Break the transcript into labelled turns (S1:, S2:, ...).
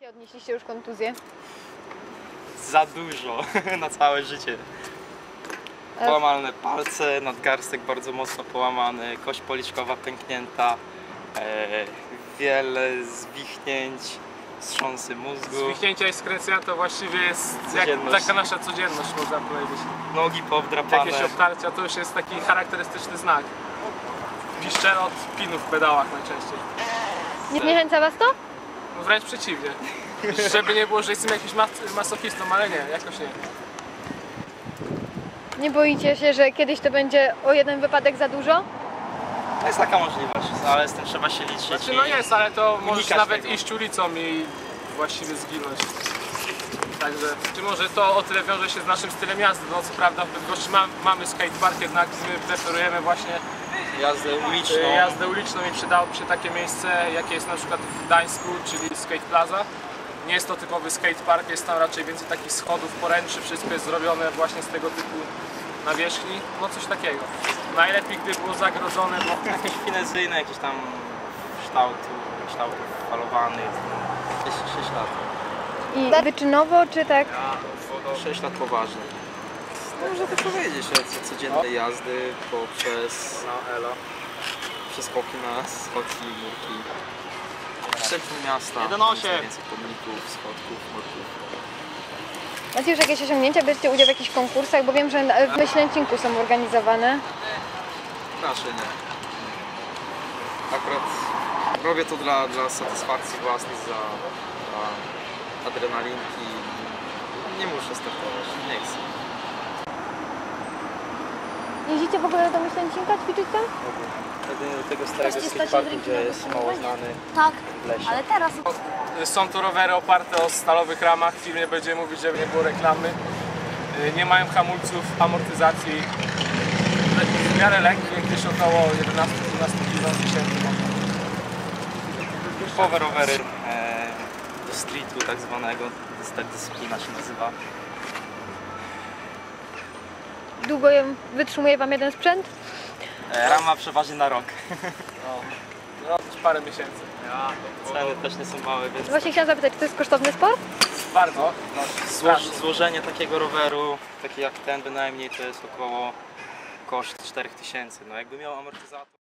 S1: Jakie odnieśliście już kontuzje?
S2: Za dużo na całe życie. Połamane palce, nadgarstek bardzo mocno połamany, kość policzkowa pęknięta, wiele zwichnięć, wstrząsy mózgu.
S3: Zwichnięcia i skręcenia to właściwie jest jak taka nasza codzienność, można powiedzieć.
S2: Nogi powdrapane.
S3: Jakieś obtarcia to już jest taki charakterystyczny znak. Piszczele od pinów w pedałach najczęściej.
S1: Nie zniechęca was to?
S3: No wręcz przeciwnie. Żeby nie było, że jestem jakimś masochistą, ale nie, jakoś nie.
S1: Nie boicie się, że kiedyś to będzie o jeden wypadek za dużo?
S2: To jest taka możliwość, ale z tym trzeba się liczyć.
S3: Znaczy no jest, ale to możesz nawet
S2: tego.
S3: iść ulicą i właściwie zginąć. Także, czy może to o tyle wiąże się z naszym stylem jazdy. No co prawda w Bydgoszczy mamy skatepark, jednak my preferujemy właśnie jazdę uliczną i przydałoby się takie miejsce, jakie jest na przykład w Gdańsku, czyli Skate Plaza. Nie jest to typowy skatepark, jest tam raczej więcej takich schodów, poręczy, wszystko jest zrobione właśnie z tego typu nawierzchni, no coś takiego. Najlepiej gdy było zagrodzone, bo
S2: Jakieś finezyjne, jakieś tam kształtów falowanych, 6 lat.
S1: I wyczynowo, czy tak?
S2: 6 lat poważnie. Można to powiedzieć, od codziennej jazdy poprzez przeskoki na schodki, murki. W centrum miasta,
S3: 1,8.
S2: więcej pomników, schodków, murków.
S1: Macie już jakieś osiągnięcia? Bierzecie udział w jakichś konkursach? Bo wiem, że w Myślęcinku są organizowane.
S2: Raczej nie. Akurat robię to dla satysfakcji własnej, dla adrenalinki. Nie muszę startować, nie chcę.
S1: Jeździcie w ogóle do Myślęcinka, ćwiczyć tam?
S2: Do tego starego skateparku, gdzie jest mało znany
S4: Tak,
S2: w lesie.
S4: ale teraz
S3: są to rowery oparte o stalowych ramach, w filmie będziemy mówić, żeby nie było reklamy. Nie mają hamulców, amortyzacji. W miarę lekkie, gdzieś około 11-12 kg.
S2: Typowe rowery do streetu tak zwanego, tak dyscyplina się nazywa.
S1: Długo wytrzymuje wam jeden sprzęt?
S2: Rama przeważnie na rok.
S3: No, parę miesięcy.
S2: Ceny też nie są małe, więc
S1: Właśnie chciałam zapytać, czy to jest kosztowny sport?
S3: Bardzo.
S2: złożenie takiego roweru, taki jak ten bynajmniej, to jest około koszt 4000. No jakby miał amortyzator.